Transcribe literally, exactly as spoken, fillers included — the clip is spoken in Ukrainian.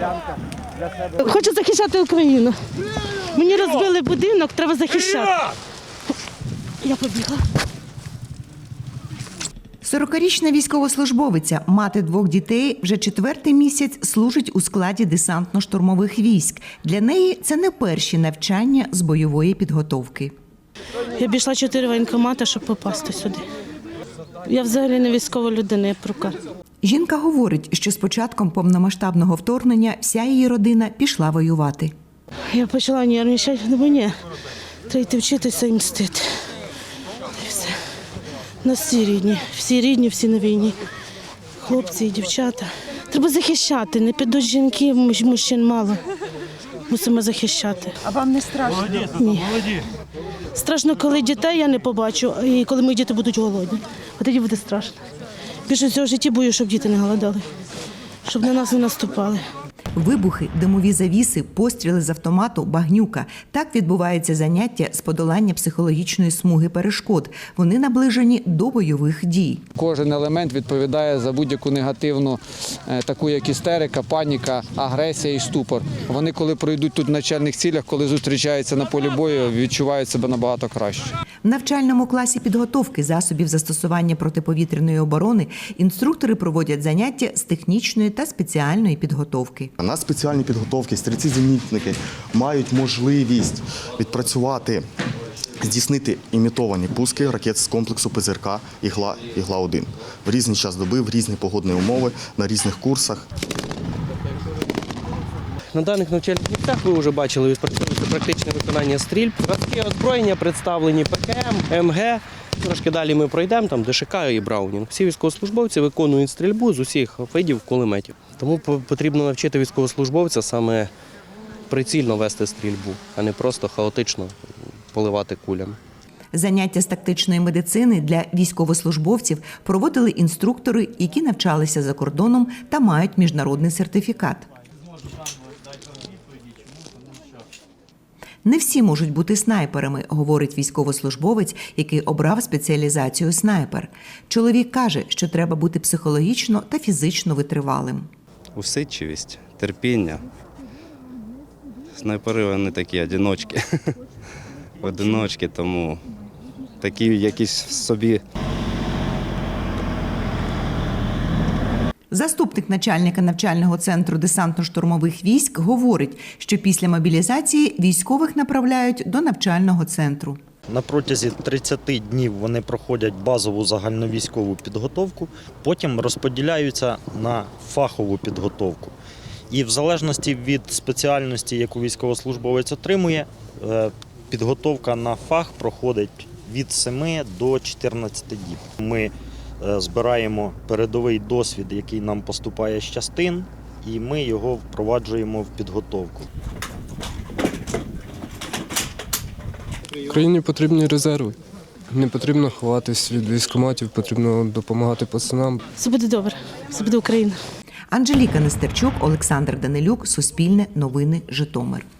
Хочу захищати Україну. Мені розбили будинок, треба захищати. Я побігла. сорокарічна військовослужбовиця, мати двох дітей, вже четвертий місяць служить у складі десантно-штурмових військ. Для неї це не перші навчання з бойової підготовки. Я обійшла чотири воєнкомати, щоб попасти сюди. Я взагалі не військова людина, я прука. Жінка говорить, що з початком повномасштабного вторгнення вся її родина пішла воювати. Я почала нервничати, думаю, ні, треба йти вчитися і мстити. І все. У нас всі рідні, всі рідні, всі на війні. Хлопці і дівчата. Треба захищати, не підуть жінки, мужчин мало. Мусимо захищати. А вам не страшно? Ні. Страшно, коли дітей я не побачу, і коли мої діти будуть голодні. От тоді буде страшно. Більше всього в житті бою, щоб діти не голодали, щоб на нас не наступали. Вибухи, димові завіси, постріли з автомату, багнюка. Так відбувається заняття з подолання психологічної смуги перешкод. Вони наближені до бойових дій. Кожен елемент відповідає за будь-яку негативну, таку як істерика, паніка, агресія і ступор. Вони, коли пройдуть тут в навчальних цілях, коли зустрічаються на полі бою, відчувають себе набагато краще. В навчальному класі підготовки засобів застосування протиповітряної оборони інструктори проводять заняття з технічної та спеціальної підготовки. На спеціальній підготовці стрільці-зенітники мають можливість відпрацювати, здійснити імітовані пуски ракет з комплексу Пе Зет Ер Ка «Ігла», «Ігла-один» в різний час доби, в різні погодні умови, на різних курсах. На даних навчальних місцях ви вже бачили відпрацьовується практичне виконання стрільб. Зразки озброєння представлені Пе Ке Ем, Ем Ге. Трошки далі ми пройдемо, там Де Ше Ка і Браунінг. Всі військовослужбовці виконують стрільбу з усіх видів кулеметів. Тому потрібно навчити військовослужбовця саме прицільно вести стрільбу, а не просто хаотично поливати кулями. Заняття з тактичної медицини для військовослужбовців проводили інструктори, які навчалися за кордоном та мають міжнародний сертифікат. Не всі можуть бути снайперами, говорить військовослужбовець, який обрав спеціалізацію снайпер. Чоловік каже, що треба бути психологічно та фізично витривалим. Усидчивість, терпіння. Снайпери вони такі одиночки. Одиночки, тому такі якісь в собі. Заступник начальника навчального центру десантно-штурмових військ говорить, що після мобілізації військових направляють до навчального центру. На протязі тридцяти днів вони проходять базову загальновійськову підготовку, потім розподіляються на фахову підготовку. І в залежності від спеціальності, яку військовослужбовець отримує, підготовка на фах проходить від семи до чотирнадцяти діб. Ми збираємо передовий досвід, який нам поступає з частин, і ми його впроваджуємо в підготовку. Україні потрібні резерви. Не потрібно ховатись від військкоматів, потрібно допомагати пацанам. Все буде добре, все буде Україна. Анжеліка Нестерчук, Олександр Данилюк, Суспільне, Новини, Житомир.